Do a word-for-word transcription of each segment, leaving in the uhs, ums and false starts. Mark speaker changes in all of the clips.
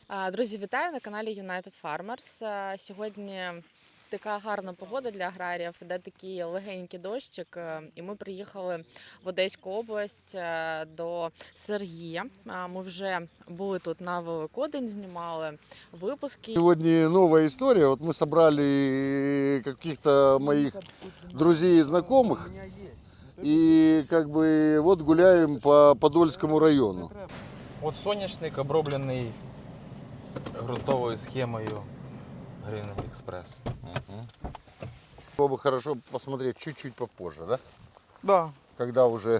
Speaker 1: А, Друзі, вітаю на каналі United Farmers. А, Сьогодні така гарна погода для аграріїв, де такий легенький дощик. е, І ми приїхали в Одеську область е, до Сергія. А, Ми вже були тут на Великодень, знімали випуски.
Speaker 2: Сегодня новая история. Вот мы собрали каких-то моих друзей и знакомых. И как бы вот гуляем по Подольскому району.
Speaker 3: От соняшник оброблений ґрунтовою схемою Green Express.
Speaker 2: Было бы хорошо посмотреть чуть-чуть попозже, да?
Speaker 3: Да.
Speaker 2: Когда уже...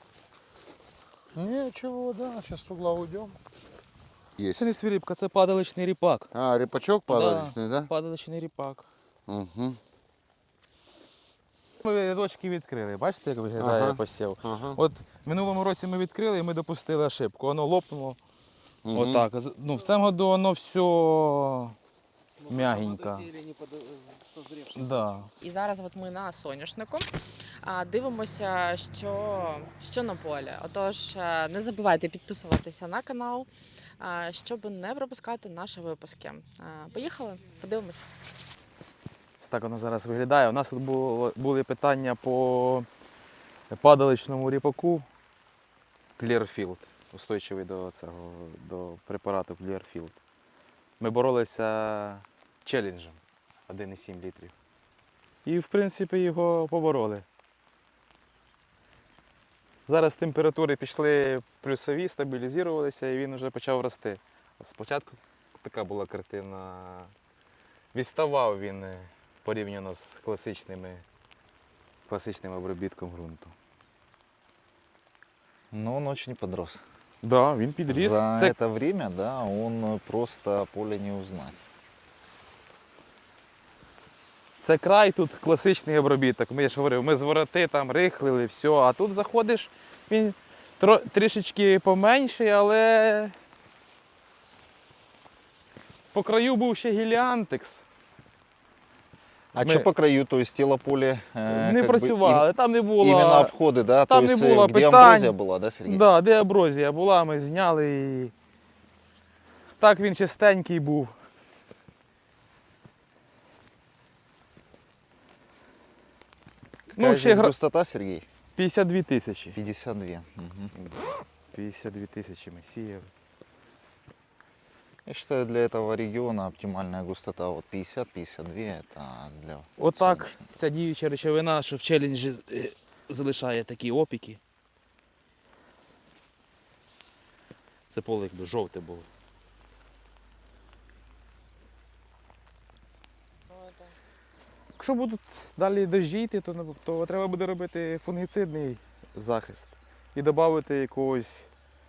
Speaker 2: Ничего, да, сейчас с угла уйдем. Есть.
Speaker 3: Це не свиріпка, це падаличний ріпак.
Speaker 2: А, репачок падаличный, да?
Speaker 3: Падаличний ріпак.
Speaker 2: Угу.
Speaker 3: Ми рядочки відкрили. Бачите, як виглядає
Speaker 2: Ага.
Speaker 3: посів?
Speaker 2: Ага.
Speaker 3: От в минулому році ми відкрили і ми допустили ошибку. Воно лопнуло.
Speaker 2: Угу.
Speaker 3: Отак. Ну, в цьому году воно все м'ягенько. Да.
Speaker 1: І зараз от ми на соняшнику а, дивимося, що, що на полі. Отож, е, не забувайте підписуватися на канал, а, щоб не пропускати наші випуски. А, Поїхали, подивимося.
Speaker 3: Це так воно зараз виглядає. У нас тут було, були питання по падаличному ріпаку Clearfield, устойчивий до цього, до препарату Clearfield. Ми боролися челенджем один і сім літрів. І, в принципі, його побороли. Зараз температури пішли плюсові, стабілізувалися і він вже почав рости. Спочатку така була картина. Відставав він порівняно з класичними, класичним обробітком ґрунту.
Speaker 4: Но он очень подрос.
Speaker 3: Так, да, він підріс.
Speaker 4: За
Speaker 3: Це,
Speaker 4: это время, да, он просто поле не узнать.
Speaker 3: це край тут класичний обробіток. Ми я ж говорив, ми з вороти там рихлили, все. А тут заходиш, він тро, трішечки поменший, але по краю був ще гіліантекс.
Speaker 4: А
Speaker 3: Мы-
Speaker 4: что по краю, то есть тело поле э,
Speaker 3: Не
Speaker 4: как бы
Speaker 3: працювали, там не
Speaker 4: им-
Speaker 3: було.
Speaker 4: именно обходы, да,
Speaker 3: там
Speaker 4: то
Speaker 3: не
Speaker 4: есть э,
Speaker 3: було
Speaker 4: где
Speaker 3: питань.
Speaker 4: амброзия была, да, Сергей?
Speaker 3: Да, де аброзія була, ми зняли і так він чистенький був.
Speaker 4: Какая
Speaker 3: Ну,
Speaker 4: здесь
Speaker 3: ще гра...
Speaker 4: густота, Сергей?
Speaker 3: п'ятдесят дві тисячі.
Speaker 4: пятьдесят два. Мгм.
Speaker 3: п'ятдесят дві тисячі ми сіяли.
Speaker 4: Я считаю, для этого региона оптимальная густота вот пятьдесят — пятьдесят два, это для
Speaker 3: Отак
Speaker 4: соняшника.
Speaker 3: ця діюча речовина, що в челенджі е, залишає такі опіки. Це поле якби жовте було. Якщо будуть далі дощі йти, то, не- то треба буде робити фунгіцидний захист і додати якогось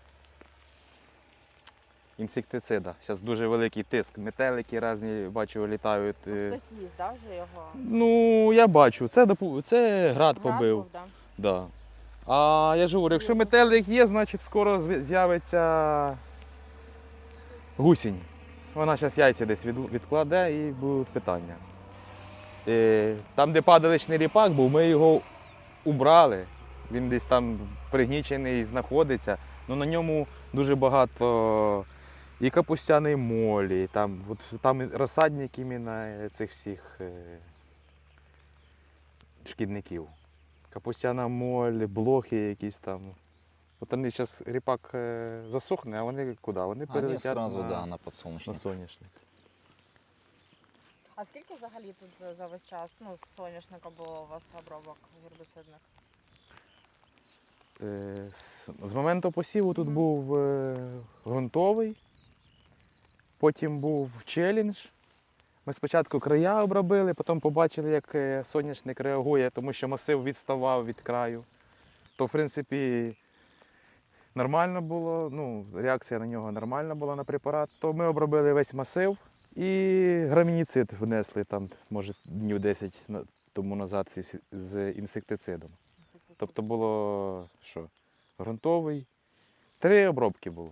Speaker 3: інсектицида. Зараз дуже великий тиск. Метелики різні, бачу, літають. е.
Speaker 1: Хтось їсть, да, вже його?
Speaker 3: Ну, я бачу, це, допу- це град побив.
Speaker 1: Град був, да?
Speaker 3: Да. А я ж говорю, якщо метелик є, значить скоро зв- з'явиться гусінь. Вона зараз яйця десь від- відкладе і будуть питання. Е, Там, де падаличний ріпак був, ми його убрали. Він десь там пригнічений знаходиться. Ну, на ньому дуже багато і капустяної молі, там, от, там і розсадник іменно цих всіх е, шкідників. Капустяна моль, блохи якісь там. От вони зараз ріпак е, засохне, а вони куди? Вони
Speaker 4: Они
Speaker 3: перелетять
Speaker 4: сразу,
Speaker 3: на,
Speaker 4: да, на
Speaker 3: на
Speaker 4: подсолнечник.
Speaker 3: соняшник.
Speaker 1: А скільки взагалі тут за весь час, ну, з соняшника було у вас обробок гербіцидних?
Speaker 3: Е, З, з моменту посіву тут
Speaker 1: Мгм.
Speaker 3: був е, ґрунтовий, потім був челендж. Ми спочатку края обробили, потім побачили, як е, соняшник реагує, тому що масив відставав від краю. То, в принципі, нормально було, ну, реакція на нього нормальна була на препарат. То ми обробили весь масив і грамініцид внесли там, може, днів десять на- тому назад з, з інсектицидом. Тобто було що? Ґрунтовий. Три обробки було.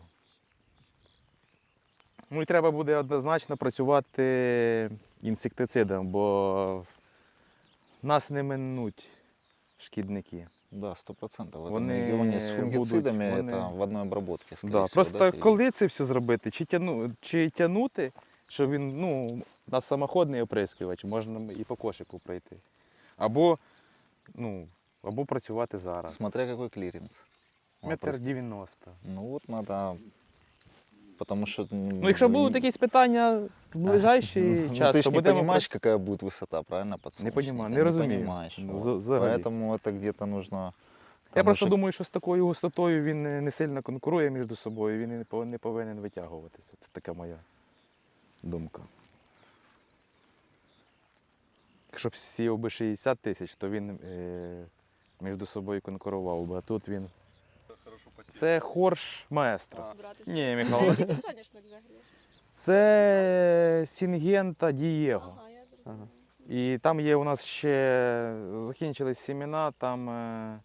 Speaker 3: Ну і треба буде однозначно працювати інсектицидом, бо нас не минуть шкідники.
Speaker 4: Да, сто процентов. В этом
Speaker 3: Вони
Speaker 4: регионе с
Speaker 3: будуть-
Speaker 4: фунгицидами
Speaker 3: вони-
Speaker 4: это в одной обработке, скорее
Speaker 3: Да,
Speaker 4: всего,
Speaker 3: просто
Speaker 4: да, Сергей?
Speaker 3: коли це все зробити, чи, тяну, чи тягнути, що він, ну, у нас самоходний оприскувач, можна і по кошику пройти. Або, ну, або працювати зараз.
Speaker 4: Смотря какой клиренс. Он
Speaker 3: Метр
Speaker 4: просто-
Speaker 3: дев'яносто.
Speaker 4: Ну вот надо, потому что...
Speaker 3: Ну, якщо будуть якісь питання в ближайший
Speaker 4: ну,
Speaker 3: час,
Speaker 4: ты
Speaker 3: то
Speaker 4: ж не
Speaker 3: будемо
Speaker 4: понимаешь,
Speaker 3: прац-
Speaker 4: какая будет высота, правильно, подсолнечника?
Speaker 3: понимаю, не разумею.
Speaker 4: понимаешь.
Speaker 3: Ну,
Speaker 4: вот.
Speaker 3: за- взагалі.
Speaker 4: Поэтому это где-то нужно...
Speaker 3: Я
Speaker 4: там
Speaker 3: просто
Speaker 4: уже-
Speaker 3: думаю, що з такою густотою він не не сильно конкурує між собою, він і не пов- не повинен витягуватися. Це така моя думка. Якщо б сіяв би шістдесят тисяч, то він е, між собою конкурував би, а тут він. Це хорш маестро.
Speaker 5: Братися.
Speaker 3: Ні, Михайло.
Speaker 5: Який це соняшник взагалі?
Speaker 3: Це Сінгента Дієго.
Speaker 5: Ага, я зрозуміла.
Speaker 3: І там є у нас ще закінчились семена, там е,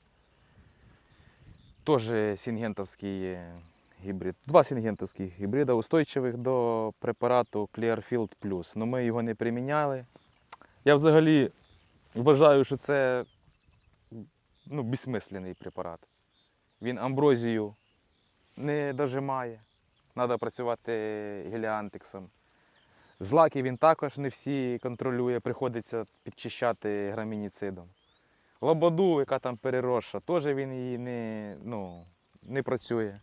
Speaker 3: теж сінгентовський е, гібрид. Два сінгентовських гібрида, устойчивих до препарату Clearfield Plus. Ну ми його не приміняли. Я взагалі вважаю, що це ну, безсмисленний препарат. Він амброзію не дожимає. Треба працювати геліантиксом. Злаки він також не всі контролює, приходиться підчищати грамініцидом. Лободу, яка там переросша, теж він її не, ну, не працює.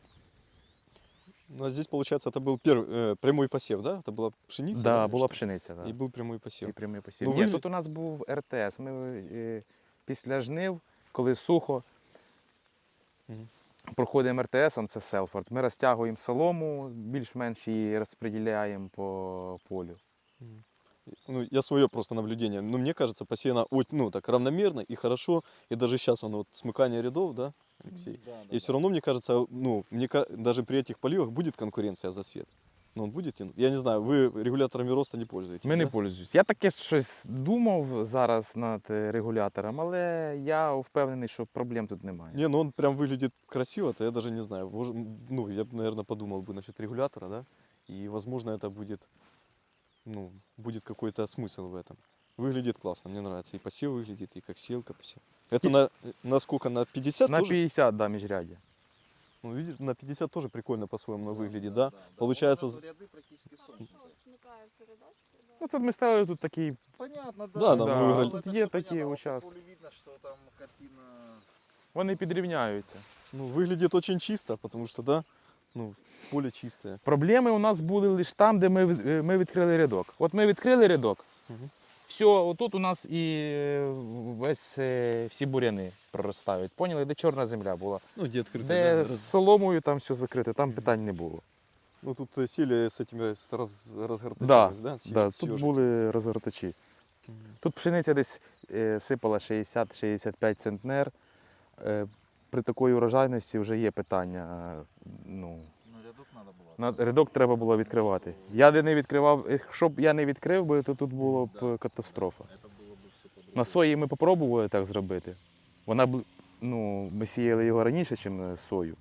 Speaker 6: Ну, а здесь, получается, это был первый, э, прямой посев, да? Это была пшеница?
Speaker 3: Так, да,
Speaker 6: или
Speaker 3: була
Speaker 6: что?
Speaker 3: пшениця. Да.
Speaker 6: И был прямой посев.
Speaker 3: І прямий посів.
Speaker 6: Ну,
Speaker 3: Ні,
Speaker 6: ви-
Speaker 3: тут у нас був ер те ес. Ми е, після жнив, коли сухо,
Speaker 6: Мгм.
Speaker 3: проходимо ер те есом, це Селфорд. Ми розтягуємо солому, більш-менш її розподіляємо по полю.
Speaker 6: Ну, я свое просто наблюдение. Ну, мне кажется, посеяно о- ну, так равномерно и хорошо. И даже сейчас оно вот смыкание рядов, да, Алексей?
Speaker 4: Да, да,
Speaker 6: И все равно, мне кажется, ну, мне, ка- даже при этих поливах будет конкуренция за свет. Ну, он будет тянуть? Я не знаю, вы регуляторами роста не пользуетесь,
Speaker 3: Ми не
Speaker 6: да?
Speaker 3: пользуюсь. Я таке щось думав зараз над е, регулятором, але я впевнений, що проблем тут немає.
Speaker 6: Не, ну он прям выглядит красиво, то я даже не знаю. Мож- м, Ну, я бы, наверное, подумал бы насчет регулятора, да? И, возможно, это будет, ну, будет какой-то смысл в этом. Выглядит классно, мне нравится. И посев выглядит, и как селка посев. Это на, на сколько? На пятьдесят
Speaker 3: На
Speaker 6: тоже?
Speaker 3: п'ятдесят, да, міжряддя.
Speaker 6: Ну, видишь, на пятьдесят тоже прикольно по-своему выглядит, да? Получается, з-
Speaker 4: ряды практически
Speaker 5: Хорошо смикаються рядочки, да.
Speaker 3: Ну, це ми ставили тут такий.
Speaker 4: Понятно,
Speaker 6: Да,
Speaker 4: да.
Speaker 6: да,
Speaker 3: Да,
Speaker 6: мы
Speaker 3: тут
Speaker 6: выиграли.
Speaker 3: є такі участки.
Speaker 4: видно, что там картина...
Speaker 3: Вони підрівняються.
Speaker 6: ну, выглядит очень чисто, потому что, да, ну, поле чистое.
Speaker 3: Проблеми у нас були лише там, де ми, від- е, ми відкрили рядок. От ми відкрили рядок,
Speaker 6: Мгм.
Speaker 3: все, отут у нас і е, весь е, всі буряни проростають. Поняли, де чорна земля була.
Speaker 6: Ну, где открыто,
Speaker 3: Де
Speaker 6: да,
Speaker 3: з
Speaker 6: раз-
Speaker 3: соломою там все закрите, там питань не було.
Speaker 6: Ну, тут э, сели с этими с раз,
Speaker 3: Да,
Speaker 6: разгортачились, да? С-
Speaker 3: Да,
Speaker 6: с
Speaker 3: тут
Speaker 6: ёжиком.
Speaker 3: були розгортачі.
Speaker 6: Мгм.
Speaker 3: Тут пшениця десь е, сипала шістдесят шістдесят п'ять центнер. Е, При такій урожайності вже є питання. е, Ну,
Speaker 4: Ну, рядок надо было.
Speaker 3: на рядок треба було відкривати. Я де не відкривав, якщо б я не відкрив би, то тут було б катастрофа.
Speaker 4: Это было бы все по-другому.
Speaker 3: На сої ми спробували так зробити. Вона б, ну, ми сіяли його раніше, ніж сою.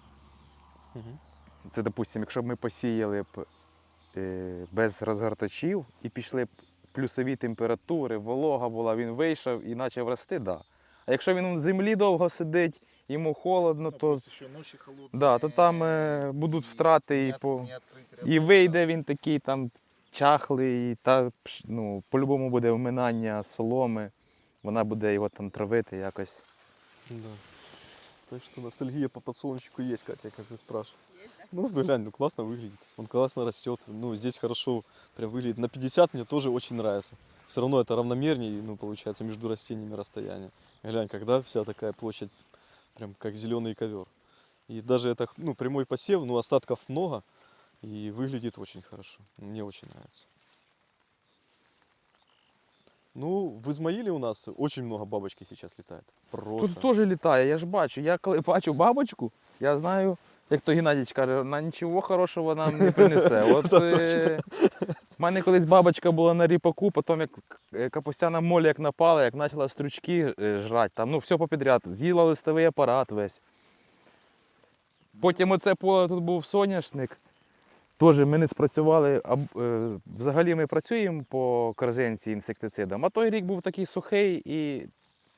Speaker 6: Мгм.
Speaker 3: Це, допустимо, якщо б ми посіяли б е, без розгортачів і пішли б плюсові температури, волога була, він вийшов і почав рости, да. А якщо він в землі довго сидить, йому холодно,
Speaker 4: Ну,
Speaker 3: то,
Speaker 4: плюс еще ночи холодные.
Speaker 3: да, то там е, будуть втрати
Speaker 4: не
Speaker 3: і
Speaker 4: от-
Speaker 3: по.
Speaker 4: не открыть рядок,
Speaker 3: І
Speaker 4: да.
Speaker 3: вийде він такий там чахлий, та пш- ну, по-любому буде вминання соломи, вона буде його там травити якось.
Speaker 6: Да. Так что ностальгия по подсолнечнику есть, Катя, как ты спрашиваешь. Ну, да, глянь, ну классно выглядит. Он классно растет. Ну, здесь хорошо прям выглядит. На пятьдесят мне тоже очень нравится. Все равно это равномернее, ну, получается, между растениями расстояние. Глянь, когда вся такая площадь, прям как зеленый ковер. И даже это, ну, прямой посев, ну, остатков много. И выглядит очень хорошо. Мне очень нравится. Ну, в Измаиле у нас очень много бабочки сейчас летает. Просто.
Speaker 3: Тут теж літає, я ж бачу. Я коли бачу бабочку, я знаю, як то Геннадійович каже, вона нічого хорошого нам не принесе. От е, в мене колись бабочка була на ріпаку, потім як е, капустяна моля як напала, як почала стручки е, жрати, там, ну все попідряд, з'їла листовий апарат весь. Потім оце поле тут був соняшник. Теж ми не спрацювали, а е, взагалі ми працюємо по корзинці інсектицидам, а той рік був такий сухий і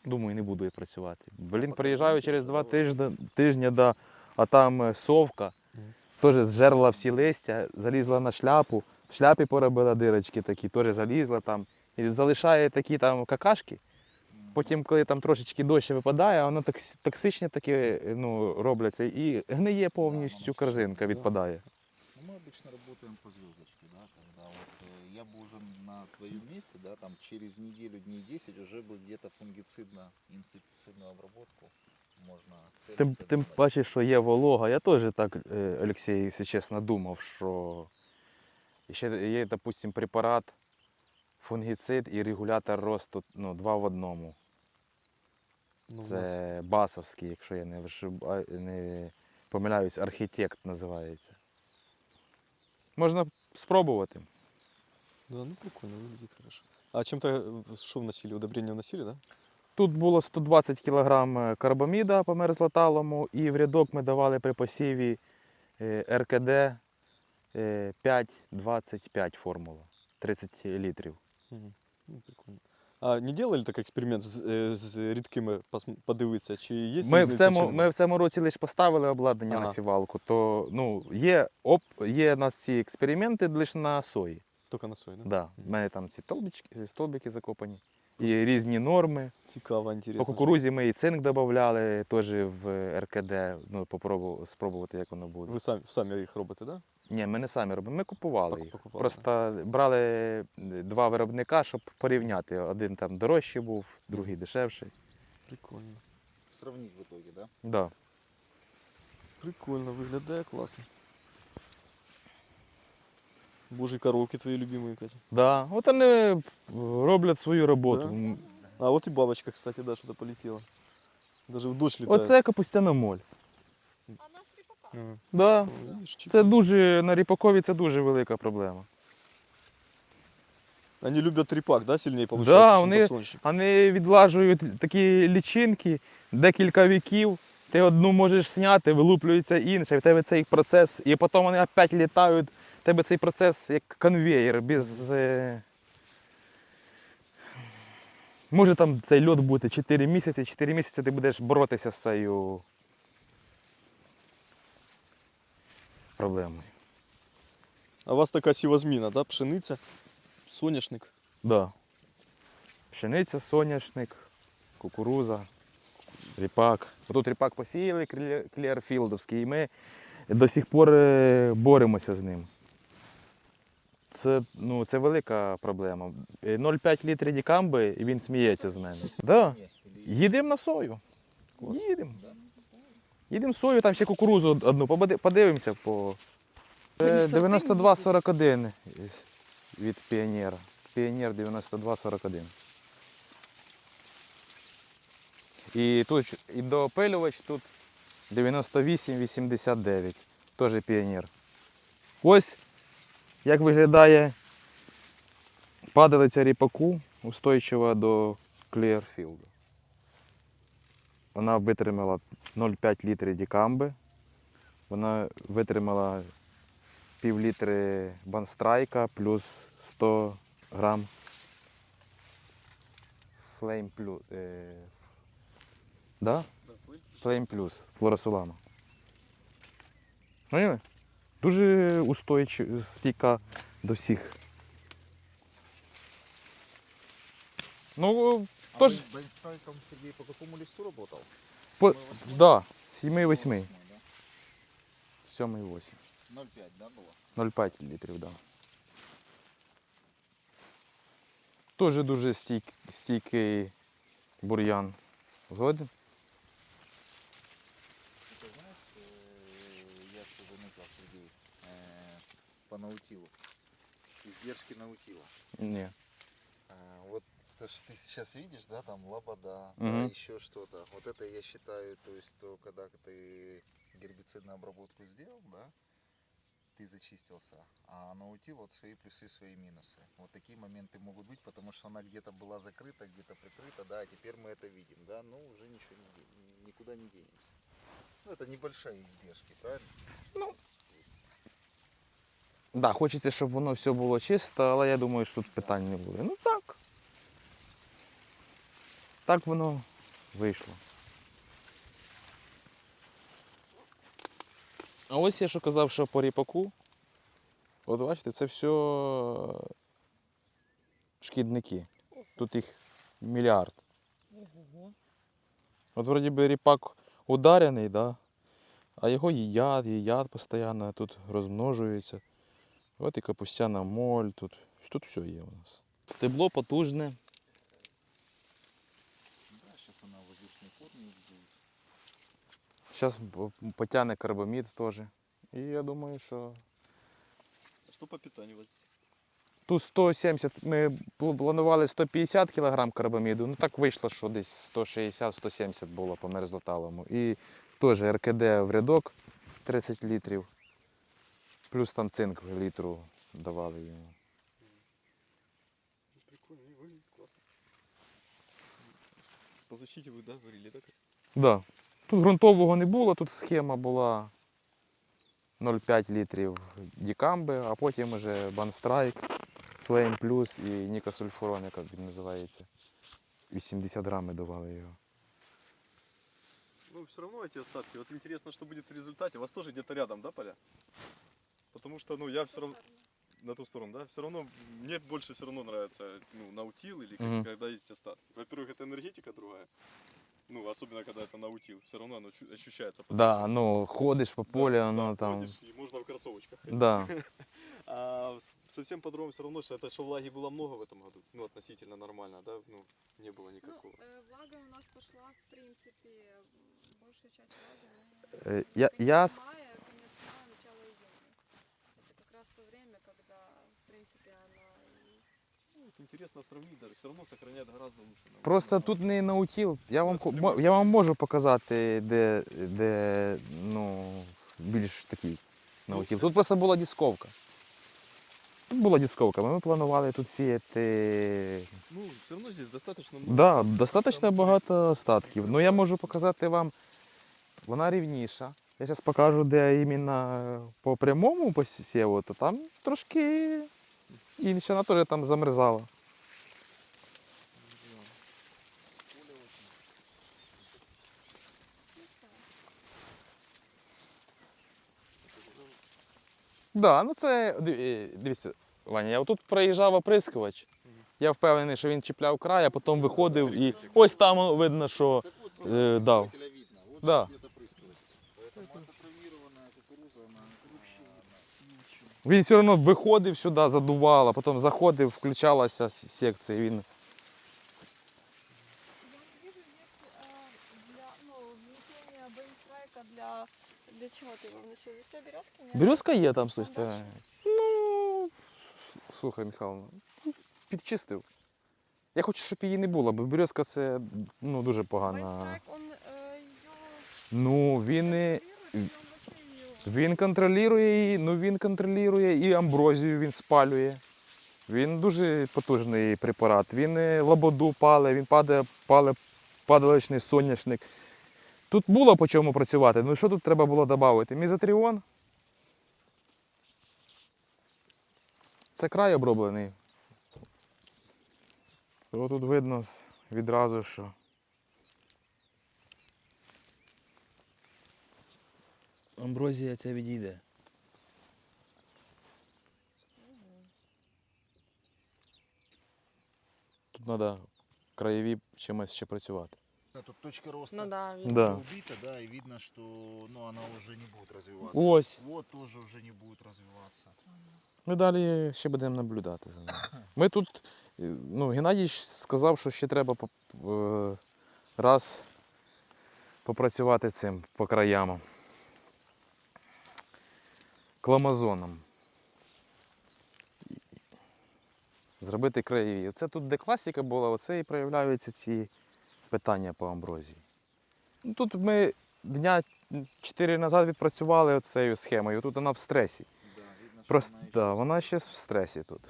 Speaker 3: думаю, не буду я працювати. Блін,
Speaker 6: поки
Speaker 3: приїжджаю
Speaker 6: жінки
Speaker 3: через два
Speaker 6: додавали.
Speaker 3: тижні, тижні да, а там е, совка,
Speaker 6: Мгм.
Speaker 3: теж зжерла всі листя, залізла на шляпу, в шляпі поробила дирочки такі, теж залізла там. І залишає такі там какашки. Потім, коли там трошечки дощ випадає, воно токс- токсичне таке ну, робляться і гниє повністю, корзинка відпадає.
Speaker 4: Ну, мы обычно работаем по звездочке, да, когда вот э, я бы уже на твоем месте, да, там через неделю, дней десять уже бы где-то фунгицидно-инсектицидную обработку можно
Speaker 3: Тим,
Speaker 4: целиться,
Speaker 3: тим
Speaker 4: думать.
Speaker 3: паче, що є волога. Я теж так, е, Олексій, якщо чесно, думав, що ще є, допустим, препарат, фунгіцид і регулятор росту ну, два в одному.
Speaker 6: Ну, у нас
Speaker 3: Це басовський, якщо я не, вишиба- не помиляюсь, архітект називається. Можна спробувати.
Speaker 6: Да, ну прикольно, выглядит хорошо. А чем-то э, что вносили? Удобрения вносили, да?
Speaker 3: Тут було сто двадцять кілограм карбаміда по мерзлоталому, і в рядок ми давали при посіві е, ер ке де е, п'ять двадцять п'ять формула, тридцять літрів.
Speaker 6: Мгм. Ну, прикольно. А не делали так експеримент з, е, з рідкими пос- подивитися, чи є
Speaker 3: Ми в,
Speaker 6: різниця,
Speaker 3: цьому,
Speaker 6: чи
Speaker 3: ми
Speaker 6: нема?
Speaker 3: в цьому році лише поставили обладнання
Speaker 6: Ага.
Speaker 3: на сівалку, то ну, є, оп, є у нас ці експерименти лише на сої.
Speaker 6: Тільки на сої, да?
Speaker 3: Да. В мене там ці столбики, столбики закопані.
Speaker 6: Просто
Speaker 3: І
Speaker 6: ці-
Speaker 3: різні норми.
Speaker 6: Цікаво, інтересно.
Speaker 3: По кукурузі ми і цинк додавали теж в ер ке де, ну, попробувати, спробувати, як воно буде.
Speaker 6: Ви самі, самі їх робите, да?
Speaker 3: Ні, ми не самі робимо, ми купували
Speaker 6: Пок-
Speaker 3: їх.
Speaker 6: покупали,
Speaker 3: Просто брали е, два виробника, щоб порівняти. Один там дорожчий був, другий дешевший.
Speaker 6: Прикольно.
Speaker 4: Сравнить в итоге, да?
Speaker 3: Да.
Speaker 6: Прикольно, виглядає класно. Божі коровки твої любимі, Катя.
Speaker 3: Да. От вони роблять свою роботу.
Speaker 6: Да?
Speaker 3: М,
Speaker 6: А вот и бабочка, кстати, да, что-то полетела. Даже в дождь летает.
Speaker 3: Оце капустяна моль.
Speaker 5: А у нас ріпака.
Speaker 6: Ага.
Speaker 3: Да.
Speaker 6: О, видишь,
Speaker 3: Це
Speaker 6: чик.
Speaker 3: дуже, на ріпакові це дуже велика проблема.
Speaker 6: Они любят репак, да, сильнее получается,
Speaker 3: Да,
Speaker 6: чем
Speaker 3: вони,
Speaker 6: подсолнечник?
Speaker 3: вони відлажують такі лічинки декілька віків. Ти одну можеш зняти, вилуплюється інша, і в тебе цей процес, і потім вони опять літають. В тебе цей процес як конвеєр, без. Е... Може там цей льот бути чотири місяці, чотири місяці ти будеш боротися з цією проблемою.
Speaker 6: А у вас така сівозміна, да? Пшениця, соняшник.
Speaker 3: Да. Пшениця, соняшник, кукуруза, ріпак. Тут ріпак посіяли клі- кліарфілдовський, і ми до сих пор е, боремося з ним. Це, ну, це велика проблема. Е, нуль цілих п'ять літрів дікамби, і він сміється з мене. Да.
Speaker 4: Не, или-
Speaker 3: Їдемо на сою.
Speaker 6: Клас.
Speaker 3: Їдемо.
Speaker 4: Да?
Speaker 3: Їдемо сою, там ще кукурузу одну. Побади- Подивимося по. Е, дев'яносто два сорок один від піонера. Піонер дев'яносто два сорок один. І тут і доопилювач тут дев'яносто вісім вісімдесят дев'ять. Теж піонер. Ось як виглядає падалиця ріпаку, устойчива до Кліарфілду. Вона витримала нуль цілих п'ять літрів дікамби. Вона витримала пів літри банстрайка плюс сто грам Flame Plus. Е, да? Flame Plus флоросулама. Поняли? Дуже устойчива, стійка до всіх. Ну,
Speaker 4: А
Speaker 3: тож,
Speaker 4: вы Бенстрайком, Сергей, по какому листу работал?
Speaker 3: по,
Speaker 4: Седьмой, восьмой?
Speaker 3: да, сім восьми.
Speaker 4: Восьмой, да?
Speaker 3: сім восьм.
Speaker 4: ноль пять, да, было?
Speaker 3: нуль цілих п'ять літрів, да. Теж дуже стійк, стійкий бур'ян. Згоден?
Speaker 4: Ты знаешь, э, я что заметил, Сергей, э, по наутилу. Издержки наутила.
Speaker 3: Ні.
Speaker 4: А, вот то, что ты сейчас видишь, да, там лобода,
Speaker 3: Мгм.
Speaker 4: да, еще что-то. Вот это я считаю, то есть, то, когда ты гербицидную обработку сделал, да, ты зачистился, а наутил вот свои плюсы, свои минусы. Вот такие моменты могут быть, потому что она где-то была закрыта, где-то прикрыта, да, а теперь мы это видим, да, но уже ничего не, де- никуда не денемся. Ну, это небольшие издержки, правильно?
Speaker 3: Ну.
Speaker 4: Есть.
Speaker 3: Да, хочеться, щоб воно все було чисто, але я думаю, що тут питань не буде. Ну так. Так воно вийшло. А ось я що казав, що по ріпаку. От бачите, це все шкідники. Тут їх мільярд.
Speaker 1: Ого.
Speaker 3: От вроді би ріпак ударений, да? А його їдять, їдять постійно, тут розмножується. От і капустяна моль, тут, тут все є у нас. Стебло потужне.
Speaker 4: Да, сейчас она воздушные формы будет.
Speaker 3: Зараз потягне карбамід теж. І я думаю, що
Speaker 6: А что по питанию у вас здесь?
Speaker 3: тут сто сімдесят, ми планували сто п'ятдесят кг карбаміду, ну так вийшло, що десь сто шістдесят - сто сімдесят було по мерзлоталому. І теж РКД в рядок тридцять літрів, плюс там цинк в літру давали йому.
Speaker 6: Ну, прикольно, не выглядит классно. По защите вы, да, говорили, да? Кать?
Speaker 3: Да. Тут ґрунтового не було, тут схема була нуль цілих п'ять літрів дікамби, а потім вже Банстрайк, Flame Plus і Нікосульфурон, як він називається. вісімдесят грамів давали його.
Speaker 6: Ну, все равно эти остатки. Вот интересно, что будет в результате. У вас тоже где-то рядом, да, поля? Потому что, ну, я все равно... На ту сторону, да? Все равно, мне больше все равно нравится, ну, наутил или как-
Speaker 3: Мгм.
Speaker 6: когда есть остатки. Во-первых, это энергетика другая. Ну, особенно, когда это наутил. Все равно оно чу- ощущается.
Speaker 3: Да, ну ходиш по
Speaker 6: Да,
Speaker 3: полю,
Speaker 6: да,
Speaker 3: воно там.
Speaker 6: ходишь, и можно в кроссовочках ходить.
Speaker 3: Да.
Speaker 6: А с- совсем по-другому все равно, что это что влаги было много в этом году. Ну, относительно нормально, да? Ну, не было
Speaker 5: Ну,
Speaker 6: никакого.
Speaker 5: э, влага у нас пошла, в принципе, м, большая часть влаги.
Speaker 3: Э,
Speaker 5: ну,
Speaker 3: я-
Speaker 5: конец
Speaker 3: я с-
Speaker 5: мая, конец мая, начало июня. Это как раз то время, когда, в принципе, она... и-
Speaker 6: Ну, вот интересно сравнить даже. Все равно сохраняет гораздо лучше. наутил.
Speaker 3: Просто тут не наутіл. Я вам, ко- мо- я вам можу показати, де, де ну, більш такий наутіл. Тут просто була дисковка. Тут була дисковка. Ми планували тут сіяти.
Speaker 6: Ну, все равно здесь достаточно много.
Speaker 3: Да,
Speaker 6: остатков,
Speaker 3: достатньо
Speaker 6: там
Speaker 3: багато остатків. Ну я можу показати вам. Вона рівніша. Я зараз покажу, де іменно по прямому посіву, то там трошки інше, вона теж там замерзала.
Speaker 6: Да.
Speaker 4: Поле очень.
Speaker 3: Да, ну це див- е, дивіться, Ваня, я отут проїжджав оприскувач. Я впевнений, що він чіпляв край, а потім виходив і ось там видно, що
Speaker 4: Так вот,
Speaker 3: Э, да.
Speaker 4: опрыскивателя видно. Вот
Speaker 3: Да.
Speaker 4: здесь где-то опрыскиватель. Поэтому это травмированная кукуруза, она вообще ничего.
Speaker 3: він все одно виходив сюди, задувало, а потім заходив, включалася с- секція. Він...
Speaker 5: Я вижу здесь э, для, ну, внесения бейнстрайка для... Для чего ты его вносил? Здесь все березки? Нет?
Speaker 3: Березка є там, слухай.
Speaker 5: А дальше?
Speaker 3: Ну, слухай, Михайло, підчистив. Я хочу, щоб її не було, бо березка це ну, дуже погана.
Speaker 5: Бейнстрайк, он э, ее...
Speaker 3: Ну, він, не-
Speaker 5: контролирует, или он вообще её-
Speaker 3: він контролює її, ну він контролює і амброзію він спалює. Він дуже потужний препарат. Він е, лободу пале, він падає, пале падаличний соняшник. Тут було по чому працювати. Ну що тут треба було додати? Мізотріон. Це край оброблений. То тут видно с- відразу, що. Амброзія ця відійде. Тут треба краєві чимось ще працювати.
Speaker 4: Да, тут точка роста
Speaker 1: Ну да, видно.
Speaker 3: Да.
Speaker 4: убита, да, и видно, что ну, она уже не будет развиваться.
Speaker 3: Ось.
Speaker 4: Вот тоже уже не будет развиваться.
Speaker 3: Ми далі ще будемо наблюдати за ним. Ми тут, е, ну, Геннадій ж сказав, що ще треба поп- е, раз попрацювати цим по краям. Кламазоном. Зробити краєві. Оце тут, де класика була, оце і проявляються ці питання по амброзії. Ну, тут ми дня чотири назад відпрацювали оцею схемою, тут вона в стресі.
Speaker 4: Да, видно, что
Speaker 3: Просто,
Speaker 4: она еще
Speaker 3: да, вона ще в стресі тут.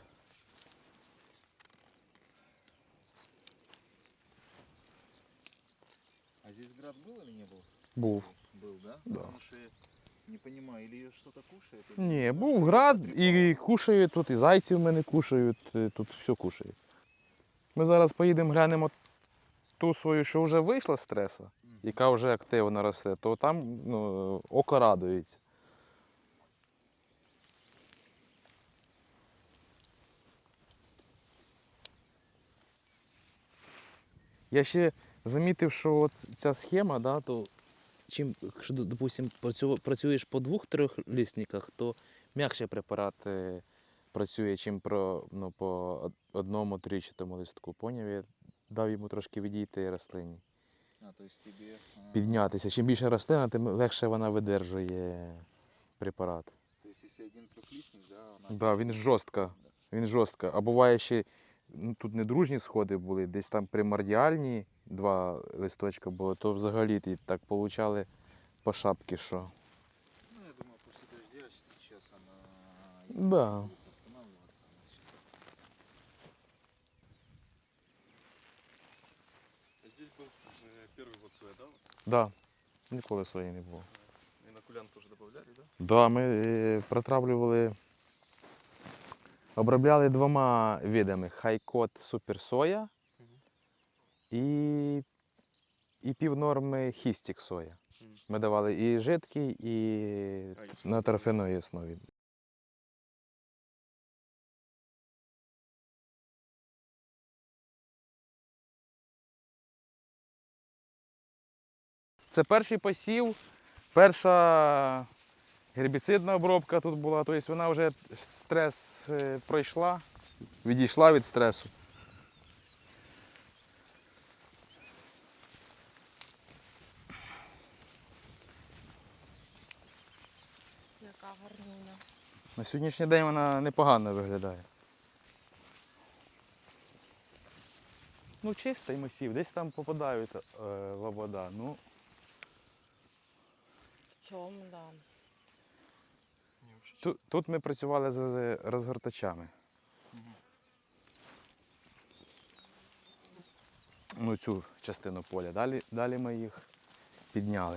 Speaker 4: А здесь град был или не был?
Speaker 3: Був.
Speaker 4: Был, да?
Speaker 3: Да.
Speaker 4: Потому что я не понимаю, или ее что-то кушает? или
Speaker 3: Ні,
Speaker 4: нет.
Speaker 3: був град, і кушають тут, і зайців мене кушають, і тут все кушають. Ми зараз поїдемо глянемо ту свою, що вже вийшла з стресу, яка вже активно росте, то там ну, око радується. Я ще замітив, що от ця схема, да, то чим, якщо, допустим, працю- працюєш по двох-трьох лісниках, то м'якше препарат е, працює, чим про, ну, по од- одному тричатому листку. Поняв? Я дав йому трошки відійти рослині,
Speaker 4: А, то есть тебе... а,
Speaker 3: піднятися. Чим більше рослина, тим легше вона видержує препарат.
Speaker 4: То есть если один трехлистник, да, она...
Speaker 3: Да, він жорстко. Він жорстко. А буває ще, ну, тут не дружні сходи були, десь там примордіальні два листочка було, то взагалі ті так получали по шапці, що.
Speaker 4: Ну, я думаю, после дождя сейчас она...
Speaker 3: Да.
Speaker 4: будет восстанавливаться, она сейчас.
Speaker 6: Здесь был э, первый год соя, да?
Speaker 3: Да, ніколи своєї не було.
Speaker 6: Инокулян тоже добавляли, да?
Speaker 3: Да, ми е, протравлювали, обробляли двома видами: хайкот суперсоя і, і півнорми хістік соя.
Speaker 6: Мгм.
Speaker 3: Ми давали і жидкий, і
Speaker 6: А, і
Speaker 3: на торфяної основі. Це перший посів, перша гербіцидна обробка тут була, тобто вона вже стрес е, пройшла, відійшла від стресу.
Speaker 1: Яка гарнюня.
Speaker 3: На сьогоднішній день вона непогано виглядає. Ну, чистий масів, десь там попадають е, лобода. Ну,
Speaker 1: В цьому, да.
Speaker 6: Не, вообще
Speaker 3: тут, тут ми працювали з з розгортачами. Ну, цю частину поля. Далі, далі ми їх підняли.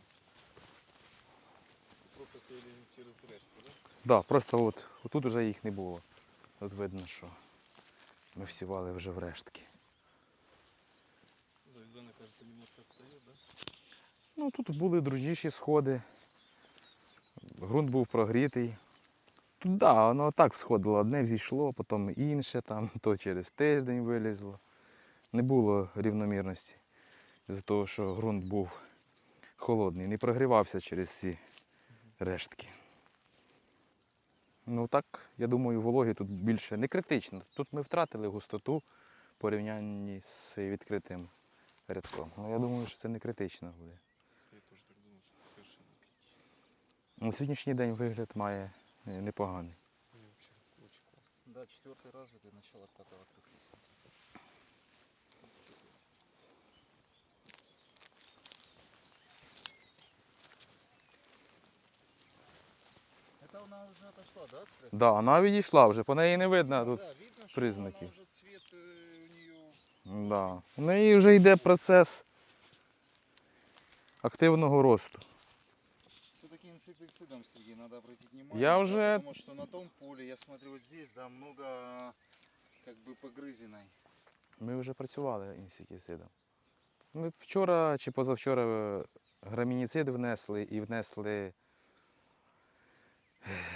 Speaker 6: просто сеяли через решту, да?
Speaker 3: Да, просто от, отут вже їх не було. От видно, що ми всівали вже в рештки.
Speaker 6: Завязана, кажется, немножко отстает, да?
Speaker 3: Ну, тут були дружніші сходи. Ґрунт був прогрітий. Тут, да, воно так всходило. Одне взійшло, потім інше, там, то через тиждень вилізло. Не було рівномірності. З-за того, що ґрунт був холодний, не прогрівався через ці рештки. Ну так, я думаю, вологи тут більше не критично. Тут ми втратили густоту в порівнянні з відкритим рядком. Ну, я думаю, що це не критично буде.
Speaker 6: Я тоже так думал, что совершенно критично.
Speaker 3: На сьогоднішній день вигляд має е, непоганий.
Speaker 6: Не, вообще очень классно.
Speaker 4: Да, четвертый развитый, начало пятого трехлистника. Это она уже отошла, да, от стресса?
Speaker 3: Да, вона відійшла вже, по неї не видно тут.
Speaker 4: Да, видно, что
Speaker 3: признаків.
Speaker 4: она уже цвет э, у нее...
Speaker 3: Да. У неї вже йде процес активного росту.
Speaker 4: Все-таки инсектицидом, Сергей, надо обратить внимание.
Speaker 3: Я
Speaker 4: да,
Speaker 3: уже-
Speaker 4: Потому что на том поле, я смотрю, вот здесь, да, много как бы погрызиной.
Speaker 3: Ми вже працювали інсектицидом. Ми вчора чи позавчора е, грамініцид внесли і внесли е,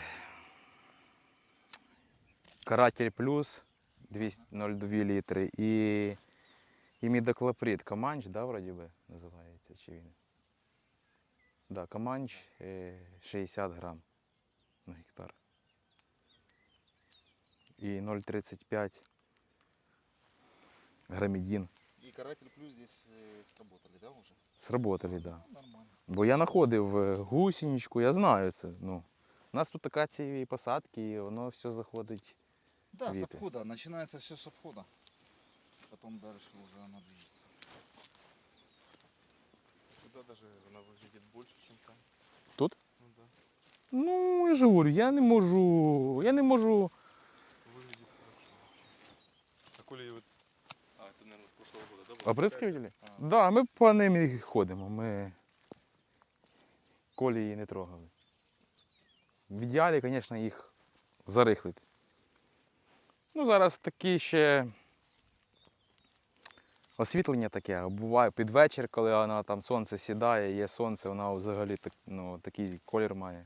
Speaker 3: каратель плюс двісті ноль два літри і, і мідоклоприд. Каманч, да, вроді би називається, чи він? Да, Каманч е, шістдесят грам на гектар. І нуль тридцять п'ять грамідін.
Speaker 4: И каратель плюс здесь э, сработали, да, уже?
Speaker 3: Сработали, так. Да.
Speaker 4: Ну, нормально.
Speaker 3: Бо я знаходив е, гусеничку, я знаю це. Ну, у нас тут акації посадки, і воно все заходить.
Speaker 4: Да, с
Speaker 3: Виды.
Speaker 4: обхода. Начинается все с обхода. Потом дальше уже оно движется.
Speaker 6: Туда даже она выглядит больше, чем там.
Speaker 3: Тут?
Speaker 6: Ну да,
Speaker 3: Ну, я ж говорю, я не можу. Я не можу.
Speaker 6: выглядит хорошо вообще. А коли вот... А, это, наверное, с прошлого года, да? было?
Speaker 3: Оприскувателі?
Speaker 6: А,
Speaker 3: Так, да, ми по ним і ходимо. Ми колії не трогали. В ідеалі, звісно, їх зарихлити. Ну, зараз такі ще освітлення таке, а буває під вечір, коли вона там сонце сідає, є сонце, вона взагалі так, ну, такий колір має.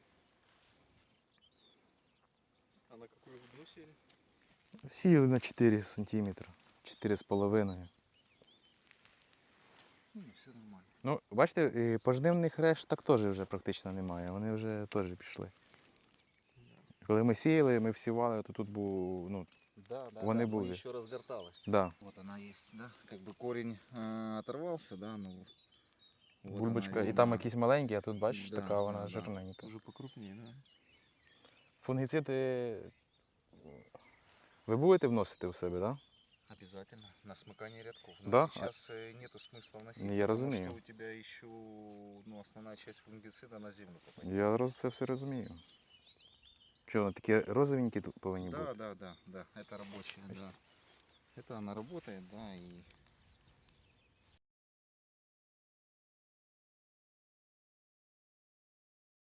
Speaker 6: А на какую глубину сели?
Speaker 3: Сіяли на чотири сантиметри, чотири з половиною.
Speaker 4: Ну, все нормально.
Speaker 3: Ну, бачите, і пожнивних решт так теж вже практично немає, вони вже теж пішли. Коли ми сіяли, ми всівали, то тут був, ну,
Speaker 4: Да, да,
Speaker 3: Вони
Speaker 4: да,
Speaker 3: були.
Speaker 4: мы еще разгортали.
Speaker 3: да,
Speaker 4: Вот она есть, да, как бы корень э, оторвался, да, ну. Вот
Speaker 3: бульбочка,
Speaker 4: она
Speaker 3: і
Speaker 4: видна.
Speaker 3: там якісь маленькі, а тут бачиш,
Speaker 4: Да,
Speaker 3: така вона
Speaker 4: да, да.
Speaker 3: жирненька.
Speaker 6: Уже покрупнее, да?
Speaker 3: Фунгіциди ви будете вносити в себе, так? Да?
Speaker 4: Обязательно. На смыкание рядков. Но
Speaker 3: Да?
Speaker 4: сейчас э, нету смысла вносить,
Speaker 3: Ну, я
Speaker 4: потому
Speaker 3: разумею.
Speaker 4: что у тебя еще, ну, основная часть фунгицида на землю попадет.
Speaker 3: Я роз- це все розумію. Що, вони такі розовенькі тут повинні
Speaker 4: Да,
Speaker 3: бути?
Speaker 4: да, да, да, это рабочая, да. Это она работает, да, и